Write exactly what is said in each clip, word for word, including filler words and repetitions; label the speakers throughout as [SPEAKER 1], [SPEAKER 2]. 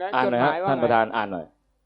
[SPEAKER 1] อ่านหน่อยฮะท่านประธานอ่านหน่อย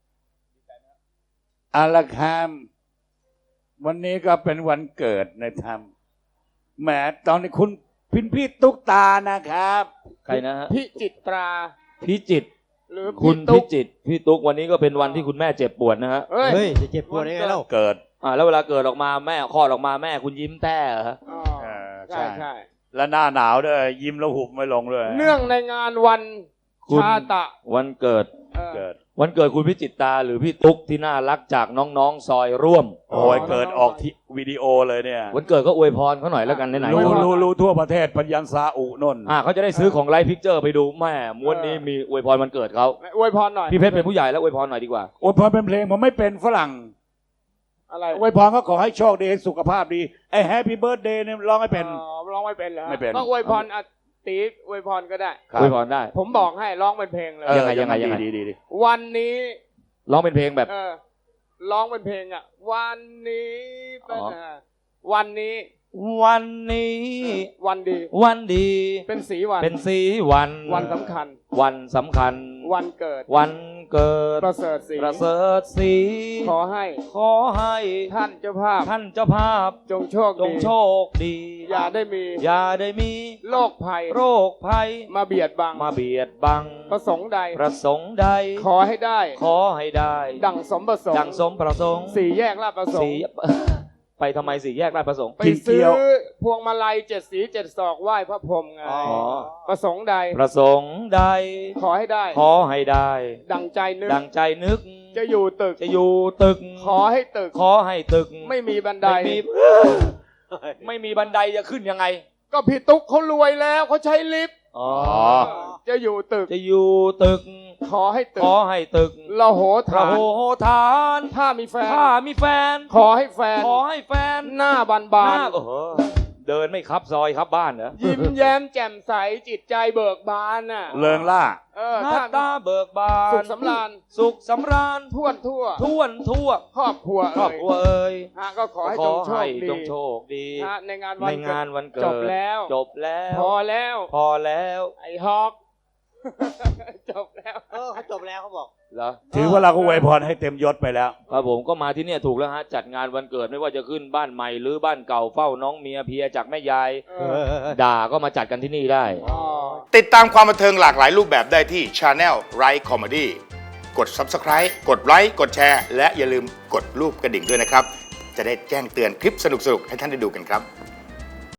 [SPEAKER 2] อาละคามวันนี้ก็เป็นวันเกิดในธรรมแหมตอนนี้คุณพินพี่ตุ๊กตานะครับ
[SPEAKER 1] ใครนะฮะ
[SPEAKER 3] พิจิตรา
[SPEAKER 1] พิจิต
[SPEAKER 3] หรือ
[SPEAKER 1] คุณพิจิตพี่ตุ๊กวันนี้ก็เป็นวันที่คุณแม่เจ็บปวดนะฮะ
[SPEAKER 3] เฮ้ย
[SPEAKER 4] จะเจ็บปวดยังไงเล่า
[SPEAKER 2] เกิด
[SPEAKER 1] อ่าแล้วเวลาเกิดออกมาแม่คลอดออกมาแม่คุณยิ้มแต้เหรอฮะ
[SPEAKER 3] ใช่ใช่
[SPEAKER 2] แล้วหน้าหนาวด้วยยิ้มแล้วหุบไม่ลงด้วย
[SPEAKER 3] เนื่องในงานวันชาตะ
[SPEAKER 1] วันเกิด
[SPEAKER 2] เกิด
[SPEAKER 1] วันเกิดคุณพิจิตตาหรือพี่ตุ๊กที่น่ารักจากน้องๆซอยร่วม
[SPEAKER 2] โอ้ยเกิดออกที่วิดีโอเลยเนี่ย
[SPEAKER 1] วันเกิดก็อวยพรเขาหน่อยแล้วกันไหนๆ
[SPEAKER 2] รู้รู้รู้ทั่วประเทศปัญญาซาอุนน
[SPEAKER 1] อ่าเขาจะได้ซื้อของไลฟ์พิกเจอร์ไปดูแม่ม้วนนี้มีอวยพรวันเกิดเขา
[SPEAKER 3] อวยพรหน่อย
[SPEAKER 1] พี่เพชรเป็นผู้ใหญ่แล้วอวยพรหน่อยดีกว่า
[SPEAKER 2] อวยพรเป็นเพลงผมไม่เป็นฝรั่ง
[SPEAKER 3] อะไร
[SPEAKER 2] อวยพรก็ขอให้โชคดีสุขภาพดีไอ้แฮปปี้เบิร์ธเดย์เนี่ยร้องไม่เป็น
[SPEAKER 3] ร้องไม่เป็นเหรอ
[SPEAKER 2] ไม่เป็น
[SPEAKER 3] ก็อวยพรตีอวยพรก็ได้
[SPEAKER 1] อวยพรได้
[SPEAKER 3] ผมบอกให้ร้องเป็นเพลงเลย
[SPEAKER 1] ยังไงยังไงยังไง
[SPEAKER 2] ดีดี
[SPEAKER 3] วันนี้
[SPEAKER 1] ร้องเป็นเพลงแบบ
[SPEAKER 3] เออร้องเป็นเพลงอ่ะวันนี้เป็นวันนี้
[SPEAKER 1] วันนี้
[SPEAKER 3] วันดี
[SPEAKER 1] วันดี
[SPEAKER 3] เป็นสีวัน
[SPEAKER 1] เป็นสีวัน
[SPEAKER 3] วันสำคัญ
[SPEAKER 1] วันสำคัญ
[SPEAKER 3] วันเกิด
[SPEAKER 1] วันเกิด
[SPEAKER 3] ประเสริฐสี
[SPEAKER 1] ประเสริฐสี
[SPEAKER 3] ขอให้
[SPEAKER 1] ขอให้
[SPEAKER 3] ท่านเจ้าภาพ
[SPEAKER 1] ท่านเจ้าภาพ
[SPEAKER 3] จงโชค
[SPEAKER 1] จงโชคดี
[SPEAKER 3] อย่าได้มี
[SPEAKER 1] อย่าได้มี
[SPEAKER 3] โรคภัย
[SPEAKER 1] โรคภัย
[SPEAKER 3] มาเบียดบัง
[SPEAKER 1] มาเบียดบัง
[SPEAKER 3] ประสงค์ใด
[SPEAKER 1] ประสงค์ใด
[SPEAKER 3] ขอให้ได้
[SPEAKER 1] ขอให้ได้
[SPEAKER 3] ดังสมประสงค์
[SPEAKER 1] ดังสมประสงค์
[SPEAKER 3] สี่แยกลาดประสงค์
[SPEAKER 1] ไปทำไมสี่แยกราชประสงค์
[SPEAKER 3] ไปซื้อพวงมาลัยเจ็ดสีเจ็ดศอกไหว้พระพรหมไงประสงค์ใด
[SPEAKER 1] ประสงค์ใด
[SPEAKER 3] ขอให้ได้
[SPEAKER 1] ขอให้ได้
[SPEAKER 3] ดังใจนึก
[SPEAKER 1] ดังใจนึก
[SPEAKER 3] จะอยู่ตึก
[SPEAKER 1] จะอยู่ตึก
[SPEAKER 3] ขอให้ตึก
[SPEAKER 1] ขอให้ตึก
[SPEAKER 3] ไม่มีบันได
[SPEAKER 1] ไม่มีไม่มีบันไดจะขึ้นยังไง
[SPEAKER 3] ก็พี่ตุ๊กเขารวยแล้วเขาใช้ลิฟต์
[SPEAKER 1] อ๋อ
[SPEAKER 3] จะอยู่ตึก
[SPEAKER 1] จะอยู่ตึก
[SPEAKER 3] ขอให้ตึก
[SPEAKER 1] ขอให้ตึก
[SPEAKER 3] ละโหฐาน
[SPEAKER 1] ละโหฐาน
[SPEAKER 3] ถ้ามีแฟน
[SPEAKER 1] ถ้ามีแฟน
[SPEAKER 3] ขอให้แฟน
[SPEAKER 1] ขอให้แฟน
[SPEAKER 3] หน้าบานบาน
[SPEAKER 1] โอ้โหเดินไม่ครับซอยครับบ้านเหรอ
[SPEAKER 3] ยิ้มแย้มแจ่มใสจิตใจเบิกบานน่ะ
[SPEAKER 2] เริงล่า
[SPEAKER 3] เออ
[SPEAKER 1] หน้าตาเบิกบาน
[SPEAKER 3] สุขสำราญ
[SPEAKER 1] สุขสำราญ
[SPEAKER 3] ท่วนทั่ว
[SPEAKER 1] ท่วนทั่ว
[SPEAKER 3] ครอบครัว
[SPEAKER 1] ครอบครัวเอ่ย
[SPEAKER 3] ฮะก็ขอให้จงโชคดี
[SPEAKER 1] จงโชคดี
[SPEAKER 3] ฮะในงานวัน
[SPEAKER 1] ในงานวันเกิด
[SPEAKER 3] จบแล้ว
[SPEAKER 1] จบแล้ว
[SPEAKER 3] พอแล้ว
[SPEAKER 1] พอแล้ว
[SPEAKER 3] ไอ้ฮอกจบแล้ว
[SPEAKER 4] เออเขาจบแล้วเขาบอก
[SPEAKER 1] เหรอ
[SPEAKER 2] ถือว่าเราก็อวยพรให้เต็มยศไปแล้ว
[SPEAKER 1] ครับผมก็มาที่เนี่ยถูกแล้วฮะจัดงานวันเกิดไม่ว่าจะขึ้นบ้านใหม่หรือบ้านเก่าเฝ้าน้องเมียเพียจากแม่ยายด่าก็มาจัดกันที่นี่ได้
[SPEAKER 5] ติดตามความบันเทิงหลากหลายรูปแบบได้ที่ Channel Right Comedy กด Subscribe กดไลค์กดแชร์และอย่าลืมกดรูปกระดิ่งด้วยนะครับจะได้แจ้งเตือนคลิปสนุกๆให้ท่านได้ดูกันครับ